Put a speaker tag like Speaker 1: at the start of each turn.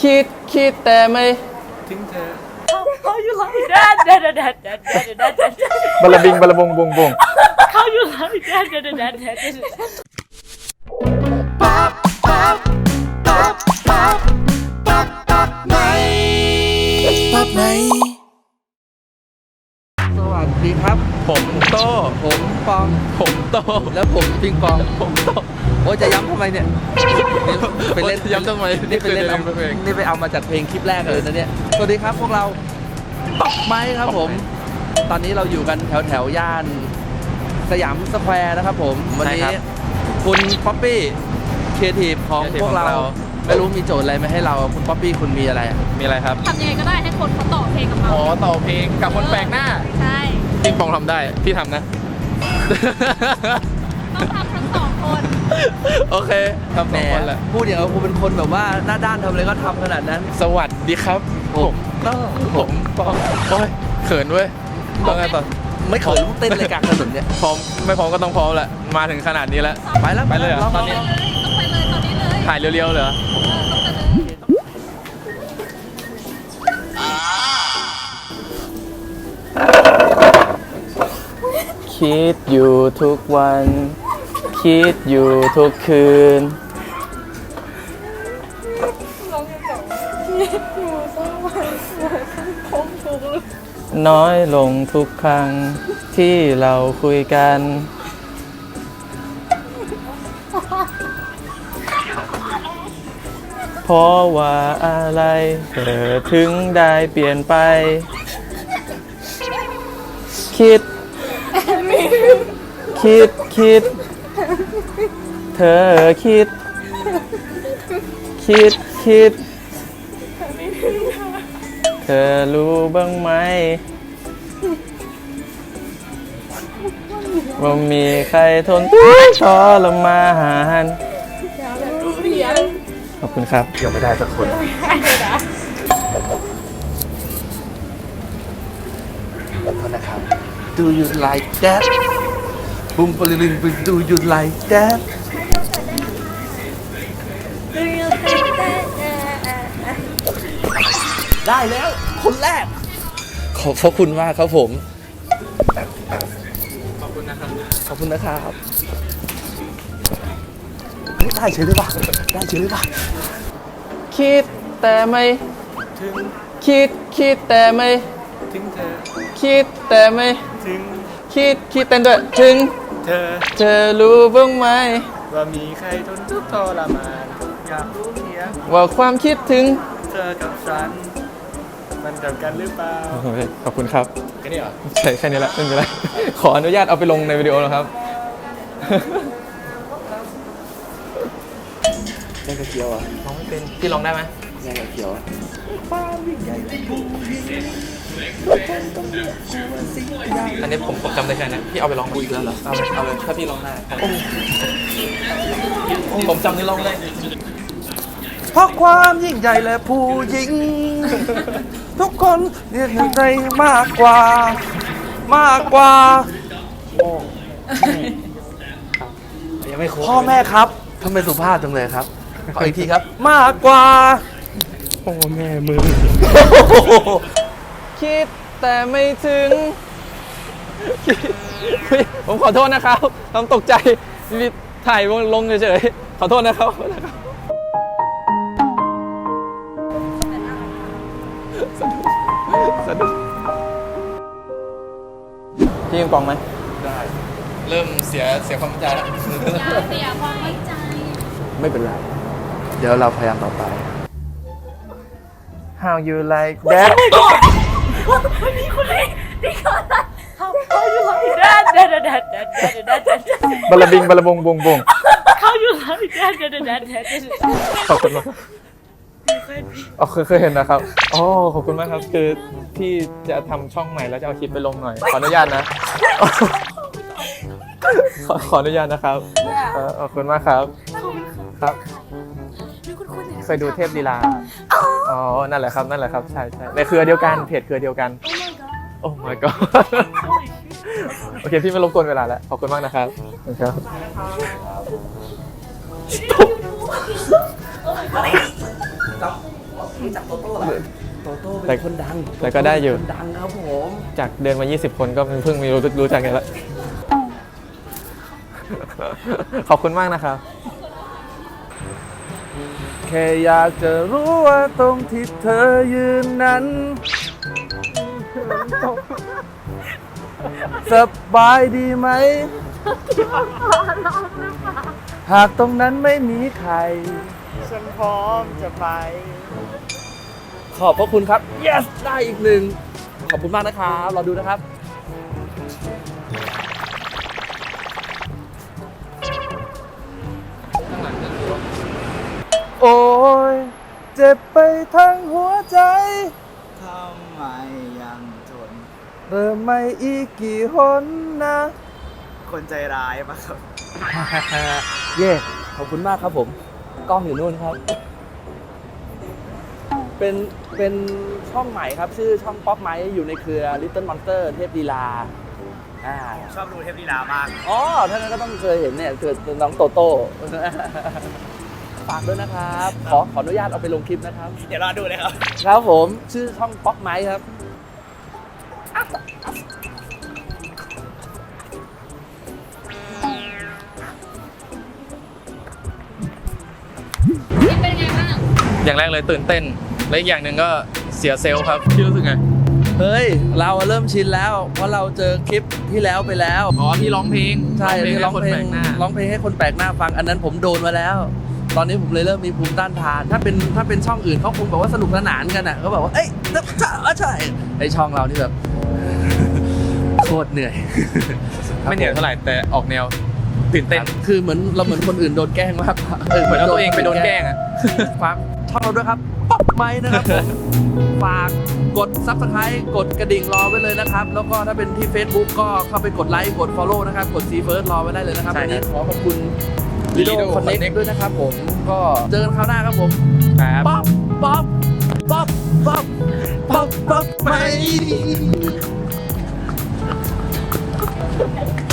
Speaker 1: คิดแต่ไม่
Speaker 2: ทิ้งเธอ
Speaker 3: How you like that? That.
Speaker 1: บลาบิงบลาบงบงบง
Speaker 3: How you like that? That.
Speaker 2: สวัสดีครับ
Speaker 1: ผมโต
Speaker 2: ผมปอง
Speaker 1: ผมโต
Speaker 2: แล้วผมปิงปอง
Speaker 1: ผมโต
Speaker 2: โอ้จะย้ำทำไมเนี่ยไปเล่น
Speaker 1: ย้ำทำไม
Speaker 2: นี่ไปเล่นเอา
Speaker 1: เพลง
Speaker 2: นี่ไปเอามาจากเพลงคลิปแรกเลยนะเนี่ยสวัสดีครับพวกเราตอกไม้ครับผมตอนนี้เราอยู่กันแถวย่านสยามสแควร์นะครับผมวันนี้คุณป๊อปปี้ครีเอทีฟของพวกเราไม่รู้มีโจทย์อะไรมาให้เราคุณป๊อปปี้คุณมีอะไร
Speaker 1: มีอะไรครับ
Speaker 3: ทำยังไงก็ได้ให้คนเขาต่อเพลงกับเรา
Speaker 1: อ๋อต่อเพลงกับคนแปลกหน้า
Speaker 3: ใช่
Speaker 1: ปิงปองทำได้พี่ทำนะ
Speaker 3: ต้องทำทั้งสองคน
Speaker 1: โอเคทำสองคนแหละ
Speaker 2: พูดอย่างเราคุณเป็นคนแบบว่าหน้าด้านทำอะไรก็ทำขนาดนั้น
Speaker 1: สวัสดีครับผมผมปองโอ้ยเขินเว้ยต้องไงต่อ
Speaker 2: ไม่เขินลูกเต้นรายการถนนเนี่ย
Speaker 1: พร้อมไม่พร้อมก็ต้องพร้อมแหละมาถึงขนาดนี้แล้ว
Speaker 2: ไปแล้ว
Speaker 1: ไปเลยเหรอตอนนี้
Speaker 3: ต้องไปเลยตอนนี้เลย
Speaker 1: ถ่ายเรียวๆเหรอคิดอยู่ทุกวันคิดอยู่ทุกคืนน้อยลงทุกครั้งที่เราคุยกันเพราะว่าอะไรเธอถึงได้เปลี่ยนไปคิดเธอคิดเธอรู้บ้างไหมว่ามีใครทนทุกข์ทรมานขอบคุณครับยังไม่ได้สักคน
Speaker 2: นะครับ Do you like that บุ้มปลิง Do you like that ได้แล้วคนแรกขอบพระคุณมากครับผม
Speaker 1: ขอบคุณนะครับ
Speaker 2: ขอบคุณนะครับได้เฉยเลยป่ะได้เฉยเลยป่ะ
Speaker 1: คิดแต่ไม่
Speaker 2: ถึง
Speaker 1: คิดแต่ไม่
Speaker 2: ถึงเธอ
Speaker 1: คิดแต่ไม่
Speaker 2: ถึง
Speaker 1: คิดเต้นด้วยถึงเธอรู้บ้างไหม
Speaker 2: ว่ามีใครทนทุกข์ทรมานอยากรู้เพียง
Speaker 1: ว่าความคิดถึง
Speaker 2: เธอกับฉันมันเดียวกันหรือเปล่า
Speaker 1: ขอบคุณครับ
Speaker 2: แค่นี้เหรอ
Speaker 1: ใช่แค่นี้แหละไม่เป็นไรขออนุญาตเอาไปลงในวิดีโอนะครับ
Speaker 2: แย่งกระเจียวอ่ะ
Speaker 1: ร้องไม่เป็นพี่ร้องได้ไหม
Speaker 2: แย่งกระเจียว
Speaker 1: อันนี้ผมจำได้แค่นั้นพี่เอาไปร้อง
Speaker 2: อีกแล้วเหรอ
Speaker 1: เอาเลยถ้าพี่ร้องได้ผมจำนี่ร้องได้
Speaker 2: เพราะความยิ่งใหญ่และผู้หญิงทุกคนเรียกใจมากกว่ายังไม่ครบพ่อแม่ครับทำไมสุภาพจังเลยครับขออีกทีครับมากกว่า
Speaker 1: พ่อแม่มึงคิดแต่ไม่ถึงผมขอโทษนะครับทำตกใจถ่ายลงเฉยๆขอโทษนะครับสะดุดพี่ยิงปองไหม
Speaker 2: ได้
Speaker 1: เริ่มเสียความมั่นใจแล้ว
Speaker 3: เสียความมั่นใจ
Speaker 2: ไม่เป็นไรเดี๋ยวเราพยายามต่อไป
Speaker 1: How you like that
Speaker 3: นี่คนนี้How you like that
Speaker 1: บลาบิงบลาบงบงบง
Speaker 3: How you like that
Speaker 1: ขอบคุณมากเคยเห็นนะครับอ๋อขอบคุณมากครับคือพี่จะทำช่องใหม่แล้วจะเอาคลิปไปลงหน่อยขออนุญาตนะขออนุญาตนะครับขอบคุณมากครับครับเคยดูเทพลีลาอ๋อนั่นแหละครับใช่ในเครือเดียวกันเพจเครือเดียวกันโอ้ my god โอเคพี่ไม่รบกวนเวลาแล้วขอบคุณมากนะครับครับ
Speaker 2: รู้จักโตโต้เหรอโตโต้
Speaker 1: แต่
Speaker 2: เป็นคนดัง
Speaker 1: แต่ก็ได้อยู่
Speaker 2: คนดังครับผม
Speaker 1: จากเดินมา 20 คนก็เพิ่งมีรู้จักกันแล้ว ขอบคุณมากนะครับ
Speaker 2: แค่อยากจะรู้ว่าตรงที่เธอยืนนั้นสบายดีไหม หากตรงนั้นไม่มีใคร
Speaker 1: ฉันพร้อมจะไป
Speaker 2: ขอบพระคุณครับ yes ได้อีกหนึ่ง ขอบคุณมากนะครับรอดูนะครับ โอ้ยเจ็บไปทั้งหัวใจ
Speaker 4: ทำไมยังทน
Speaker 2: เริ่มไม่อีกกี่หนนะ
Speaker 4: คนใจร้ายปะครับ
Speaker 2: เย่ ขอบคุณมากครับผม กล้องอยู่นู่นครับ เป็นช่องใหม่ครับ ชื่อช่องป๊อปไมค์อยู่ในเครือ Little Monster เทพดีลา
Speaker 4: ชอบดูเทพลีลามาก
Speaker 2: อ๋อท่านนั้นก็ต้องเคยเห็นเนี่ยเกิดน้องโตโต้ ฝากด้วยนะครับ ขออนุญาตเอาไปลงคลิปนะครับ
Speaker 4: เดี๋ยวรอดูเลยครับ
Speaker 2: ครับผมชื่อช่องป๊อปไมค์ครับ
Speaker 3: เป็นไงบ้าง
Speaker 1: อย่างแรกเลยตื่นเต้น และอีกอย่างหนึ่งก็เสียเซลล์ครับพี่รู้สึกไง
Speaker 2: เฮ้ย เราเริ่มชินแล้ว เพราะเราเจอคลิปที่แล้วไปแล้ว
Speaker 1: อ๋อที่ร้องเพลง
Speaker 2: ใช่ที่ร้องเพลง
Speaker 1: หน้า
Speaker 2: ร้องเพลงให้คนแปลกหน้าฟัง อันนั้นผมโดนมาแล้ว ตอนนี้ผมเลยเริ่มมีภูมิต้านทาน ถ้าเป็นช่องอื่นเขาคงบอกว่าสนุกสนานกันอ่ะเขาบอกว่าเอ้ยใช่ไอช่องเรานี่แบบ โคตรเหนื่อย
Speaker 1: ไม่เหนื่อยเท่าไหร่แต่ออกแนวตื่นเต้น
Speaker 2: คือเหมือนคนอื่นโดนแกล้งมากกว่า
Speaker 1: เหมือนเอาตัวเองไปโดนแกล้งอ่ะ
Speaker 2: ฝากช่องเราด้วยครับป๊อปไมค์นะครับผม ฝากกด Subscribe กดกระดิ่งรอไว้เลยนะครับ แล้วก็ถ้าเป็นที่ Facebook ก็เข้าไปกดไลค์กด Follow นะครับ กด See First รอไว้ได้เลยนะครับ
Speaker 1: ใช่
Speaker 2: วัน
Speaker 1: ครั
Speaker 2: นี้
Speaker 1: บ
Speaker 2: ขอขอบคุณ Lido
Speaker 1: Lido
Speaker 2: Connect
Speaker 1: Connect
Speaker 2: ด้วยนะครับผม ก็เจอกันคราวหน้าครับผม
Speaker 1: ครับ
Speaker 2: ป๊อปป๊อปป๊อปป๊อปป๊อปป๊อปไมค์